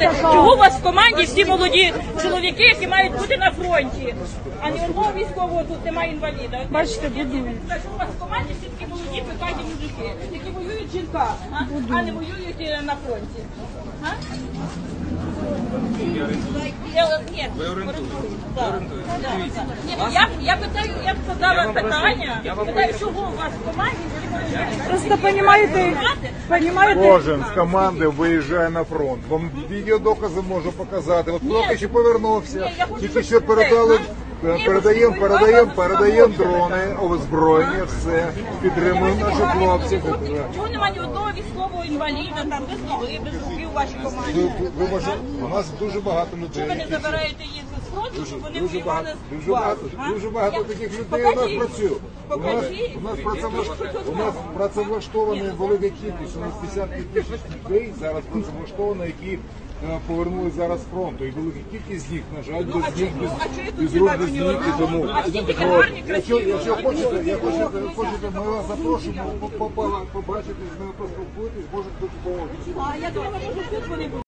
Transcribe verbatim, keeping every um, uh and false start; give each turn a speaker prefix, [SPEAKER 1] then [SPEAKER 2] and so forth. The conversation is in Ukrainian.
[SPEAKER 1] скажете, чого у вас в команді всі молоді чоловіки, які мають бути на фронті, а ні одного військового тут немає інваліда. Бачите, будують. Чого у вас в команді всі такі молоді, пекаті мужики, які воюють жінка, а, а не воюють е, на фронті? А? Я- Ні,
[SPEAKER 2] Ви орієнтуєте.
[SPEAKER 1] Да.
[SPEAKER 2] Ви орієнтуєте.
[SPEAKER 1] Да,
[SPEAKER 2] Дивіться.
[SPEAKER 1] да. Ні, ну, я, я питаю, я б задала
[SPEAKER 2] Я вам
[SPEAKER 1] питання,
[SPEAKER 2] просто- я вам
[SPEAKER 1] питаю,
[SPEAKER 2] поясню.
[SPEAKER 1] чого у вас в команді всі молоді?
[SPEAKER 3] Просто понимаете, понимаете,
[SPEAKER 4] Кожен з команди виїжджає на фронт. Вам відеодокази можу показати. От хлопець ще повернувся,
[SPEAKER 1] Ні, я хочу
[SPEAKER 4] тільки
[SPEAKER 1] щось
[SPEAKER 4] що передали,
[SPEAKER 1] сказати. Ні,
[SPEAKER 4] передаємо,
[SPEAKER 1] ви
[SPEAKER 4] передаємо,
[SPEAKER 1] сказали,
[SPEAKER 4] передаємо
[SPEAKER 1] що
[SPEAKER 4] дрони, озброєння, все. Підтримуємо наших хлопців.
[SPEAKER 1] Чого немає ні одного військового інваліда, там без ноги, без руків у вашій команді?
[SPEAKER 4] Ви, ви, ви, у нас дуже багато людей.
[SPEAKER 1] Чого ви не
[SPEAKER 4] які-
[SPEAKER 1] забираєте їх з фронту, щоб вони
[SPEAKER 4] Дуже багато,
[SPEAKER 1] воювали з
[SPEAKER 4] дуже багато,
[SPEAKER 1] вас?
[SPEAKER 4] дуже багато
[SPEAKER 1] Я-
[SPEAKER 4] таких людей у нас
[SPEAKER 1] Покажіть.
[SPEAKER 4] працює. У нас,
[SPEAKER 1] Покажіть.
[SPEAKER 4] у нас, працевлаш- у нас працевлаштовані велика кількість, у нас десятки тисяч людей зараз працевлаштовано, які е, повернулись зараз з фронту. І велика кількість з них, на жаль,
[SPEAKER 1] Ну, а
[SPEAKER 4] без ніг,
[SPEAKER 1] чому-
[SPEAKER 4] без,
[SPEAKER 1] а чого тут
[SPEAKER 4] без рук,
[SPEAKER 1] немає
[SPEAKER 4] без
[SPEAKER 1] ні
[SPEAKER 4] ніг і
[SPEAKER 1] одного?
[SPEAKER 4] тому.
[SPEAKER 1] А всі такі
[SPEAKER 4] От.
[SPEAKER 1] гарні,
[SPEAKER 4] Якщо,
[SPEAKER 1] красиві.
[SPEAKER 4] якщо хочете, я хочете, хочете, ми вас запрошуємо по- по- по- побачити, з ними поспілкуєтесь, може тут допомогти.
[SPEAKER 1] А я думала, може тут вони будуть.